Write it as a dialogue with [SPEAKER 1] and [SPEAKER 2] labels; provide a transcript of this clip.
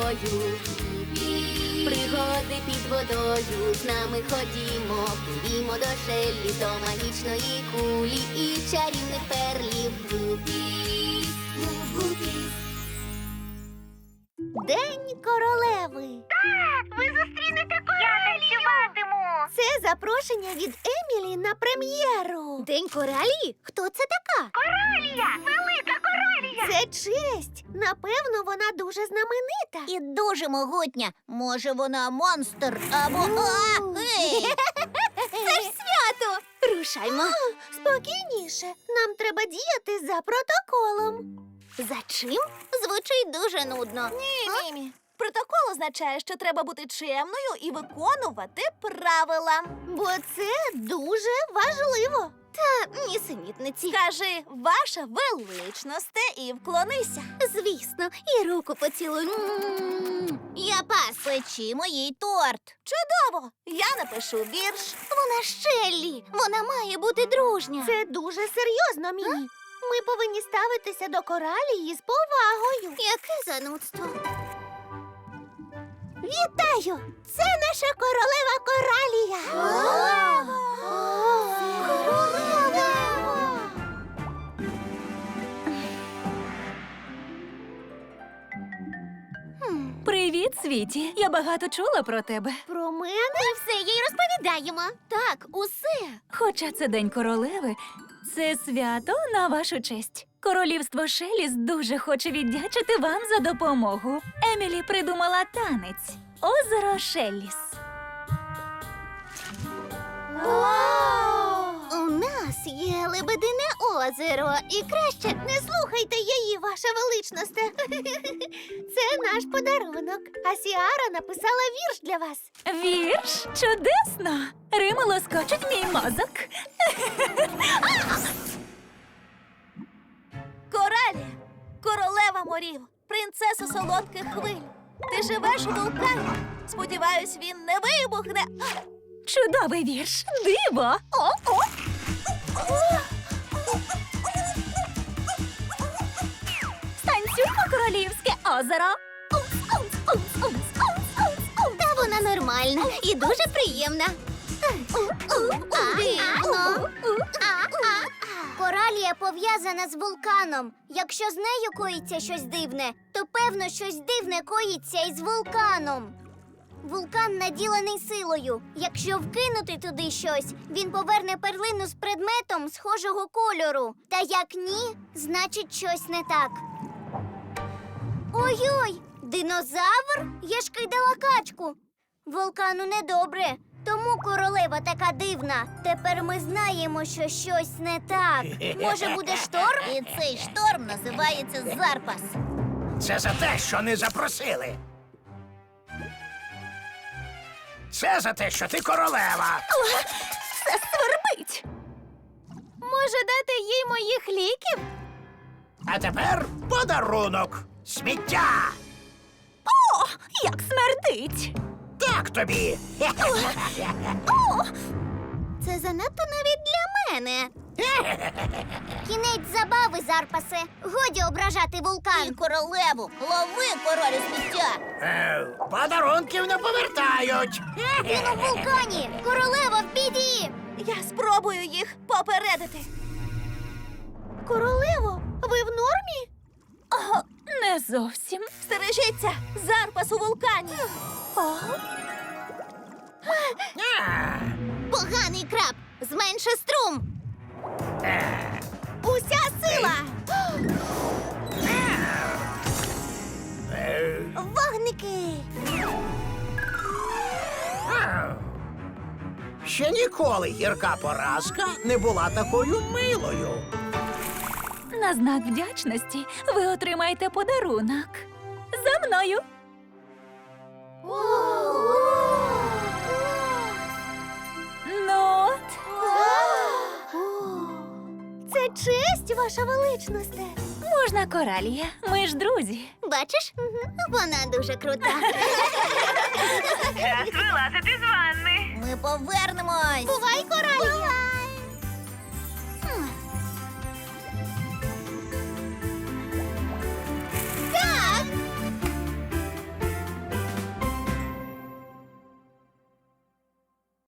[SPEAKER 1] тобою. Пригоди під водою, з нами ходімо, пливімо до Шеллі, до магічної кулі і чарівних перлів. Гупі, гупі.
[SPEAKER 2] День королеви.
[SPEAKER 3] Ви зустрінете королів! Я танцюватиму!
[SPEAKER 2] Це запрошення від Емілі на прем'єру. День королі? Хто це така?
[SPEAKER 3] Королія! Велика королія!
[SPEAKER 2] Це честь. Напевно, вона дуже знаменита.
[SPEAKER 4] І дуже могутня. Може, вона монстр або...
[SPEAKER 2] Це ж свято! Рушаймо. Спокійніше. Нам треба діяти за протоколом. За чим?
[SPEAKER 4] Звучить дуже нудно.
[SPEAKER 2] Ні, Мімі. Протокол означає, що треба бути чемною і виконувати правила. Бо це дуже важливо. Та нісенітниці. Скажи, ваша величносте, і вклонися. Звісно, і руку поцілуй.
[SPEAKER 4] Я пас. Печімо їй торт.
[SPEAKER 2] Чудово! Я напишу вірш. Вона Шеллі. Вона має бути дружня. Це дуже серйозно, Мімі. Ми повинні ставитися до коралії з повагою.
[SPEAKER 4] Яке занудство.
[SPEAKER 2] Вітаю! Це наша королева Коралія. Королева!
[SPEAKER 5] Привіт, Світі. Я багато чула про тебе.
[SPEAKER 2] Про мене? Ми все їй розповідаємо. Так, усе.
[SPEAKER 5] Хоча це День королеви, це свято на вашу честь. Королівство Шеліс дуже хоче віддячити вам за допомогу. Емілі придумала танець «Озеро Шеліс».
[SPEAKER 2] У нас є Лебедине озеро. І краще не слухайте її, ваша величносте. Це наш подарунок. А Сіара написала вірш для вас.
[SPEAKER 5] Вірш? Чудесно! Рими лоскочуть мій мозок.
[SPEAKER 2] Коралія, королева морів, принцеса солодких хвиль. Ти живеш у вулкані. Сподіваюсь, він не вибухне.
[SPEAKER 5] Чудовий вірш! Диво! О-о! Станцюймо королівське озеро!
[SPEAKER 2] Та вона нормальна і дуже приємна. Дивно.
[SPEAKER 4] Коралія пов'язана з вулканом. Якщо з нею коїться щось дивне, то певно щось дивне коїться і з вулканом. Вулкан наділений силою. Якщо вкинути туди щось, він поверне перлину з предметом схожого кольору. Та як ні, значить щось не так. Ой-ой, динозавр? Я ж кидала качку. Вулкану недобре, тому королева така дивна. Тепер ми знаємо, що щось не так. Може, буде шторм? І цей шторм називається Зарпас.
[SPEAKER 6] Це за те, що не запросили. Це за те, що ти королева.
[SPEAKER 5] Це свербить!
[SPEAKER 2] Може, дати їй моїх ліків?
[SPEAKER 6] А тепер подарунок. Сміття.
[SPEAKER 5] О, як смердить!
[SPEAKER 6] Так тобі.
[SPEAKER 2] Це занадто навіть для мене.
[SPEAKER 4] Кінець забави, Зарпасе. Годі ображати вулкан. І королеву. Лови королю сміття.
[SPEAKER 6] Подарунків не повертають.
[SPEAKER 4] Він у вулкані. Королева в біді.
[SPEAKER 2] Я спробую їх попередити. Королево, ви в нормі?
[SPEAKER 5] О, не зовсім.
[SPEAKER 2] Стережіться! Зарпас у вулкані!
[SPEAKER 4] Поганий краб. Зменши струм.
[SPEAKER 2] Уся сила! Вогники!
[SPEAKER 6] Ще ніколи гірка поразка не була такою милою.
[SPEAKER 5] На знак вдячності ви отримаєте подарунок. За мною! Ну от.
[SPEAKER 2] Це честь, ваша величносте!
[SPEAKER 5] Можна, Коралія. Ми ж друзі.
[SPEAKER 4] Бачиш? Вона дуже крута.
[SPEAKER 3] Час вилазити з ванни.
[SPEAKER 4] Ми повернемось.
[SPEAKER 2] Бувай, Коралія!